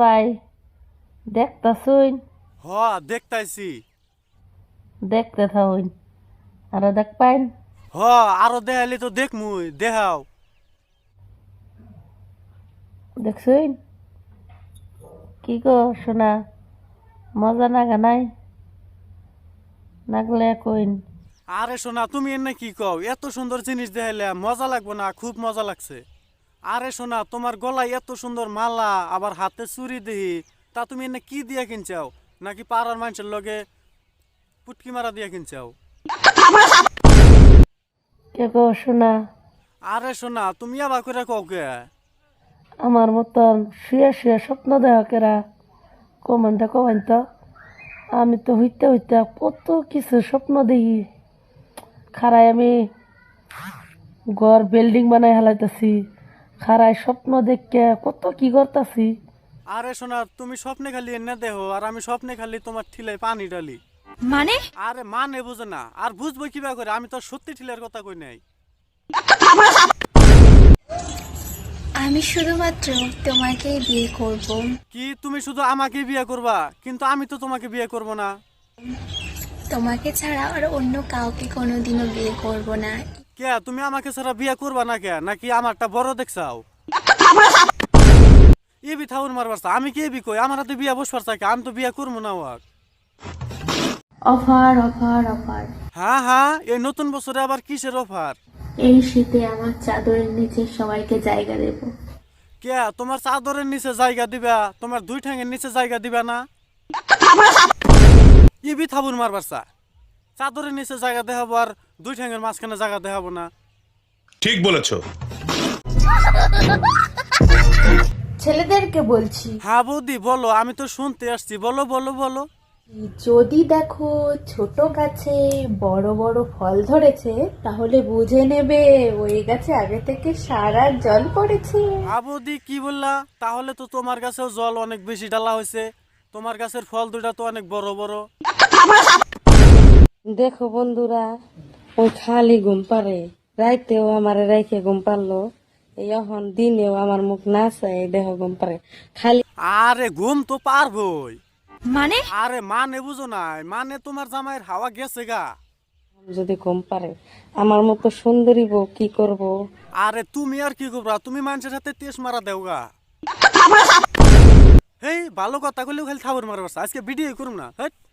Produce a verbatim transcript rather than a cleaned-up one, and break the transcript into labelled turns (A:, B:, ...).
A: ভাই দেখতাছুন?
B: হ দেখতাইছি।
A: দেখতে থাকুন আর দেখ পাইন।
B: হ আরো দেখাইলে তো দেখমুই, দেখাও।
A: দেখছুন কি গো শোনা, মজা নাগা নাই? নাগলে কইন।
B: আরে সোনা, তুমি এনে কি কও? এত সুন্দর জিনিস দেখাইলে মজা লাগবো না? খুব মজা লাগছে। আরে সোনা, তোমার গলায় এত সুন্দর মালা, আবার হাতে চুরি দেহি, তা তুমি এনে কি দিয়া কিনছাও? নাকি পাড়ার মানুষের লগে পুটকি মারা দিয়া কিনছাও?
A: কে গো শোনা,
B: আরে সোনা, তুমি আবার করে কও কে?
A: আমার মতন শুয়ে শুয়ে স্বপ্ন দেখা কেরা? কমেন্টে কমেন তো। আমি তো হইতে হইতে কত কিছু স্বপ্ন দেখি। খারাই আমি ঘর বিল্ডিং বানাই হেলাইতেছি, খারাই স্বপ্ন দেখে কত কি করতাছি।
B: আরে সোনা, তুমি স্বপ্নে খালি এনে দেহো, আর আমি স্বপ্নে খালি তোমার ঠিলাই পানি ডালি।
C: মানে?
B: আরে মানে বুঝে না, আর বুঝবো কিবা করে? আমি তো সত্যি ঠিলের কথা কই নাই।
C: আমি শুধুমাত্র তোমাকেই বিয়ে করব।
B: কি তুমি শুধু আমাকে বিয়ে করবা? কিন্তু আমি তো তোমাকে বিয়ে করব না।
C: তোমাকে ছাড়া আর অন্য কাউকে কোনোদিনও বিয়ে করব না।
B: কে তুমি আমাকে ছাড়া বিয়ে করবা না কে? নাকি আমারটা বড় দেখছাও? এবি থাউন মারবার চা, আমি কি এবি কই? আমার হাতে বিয়ে বসবার চাই, আমি তো বিয়ে করবো না ওয়াক।
D: অফার অফার অফার
B: হ্যাঁ হ্যাঁ, এই নতুন বছরে আবার কিসের অফার?
D: এই শীতে আমার চাদরের নিচে সবাইকে জায়গা দেব।
B: কে তোমার চাদরের নিচে জায়গা দিবা? তোমার দুই ঠ্যাঙের নিচে জায়গা দিবা না? এবি থাবুন মারবার চা, চাদরের নিচে জায়গা দেখাবো আর দুই ঠ্যাঙের মাঝখানে জায়গা দেখাবো না?
E: ঠিক বলেছো।
D: ছেলেদেরকে বলছি,
B: হ্যাঁ বৌদি বলো, আমি তো শুনতে আসছি, বলো বলো বলো।
D: যদি দেখো ছোট গাছে বড় বড় ফল ধরেছে, তাহলে বুঝে নেবে ওই গাছে আগে থেকে সার আর জল পড়েছে।
B: হ্যাঁ বৌদি কি বললা? তাহলে তো তোমার গাছেও জল অনেক বেশি ডালা হয়েছে, তোমার গাছের ফল দুটা তো অনেক বড় বড়।
A: দেখো বন্ধুরা, ওই খালি ঘুম পারে, রাইতেও আমার রাইখে ঘুম পারলো, এখন দিনেও আমার মুখ না চাই দেখো ঘুম পারে খালি।
B: আরে ঘুম তো পারবই।
C: মানে?
B: আরে মানে বুঝো নাই, মানে তোমার জামাইয়ের হাওয়া গেছে গা।
A: যদি ঘুম পারে আমার মতো সুন্দরী বউ কি করব?
B: আরে তুমি আর কি করবা? তুমি মানুষের হাতে তেজ মারা দেও গা। হেই ভালো কথা কইলেও খালি থাবর মারবার, আজকে ভিডিও করুম না। হেট।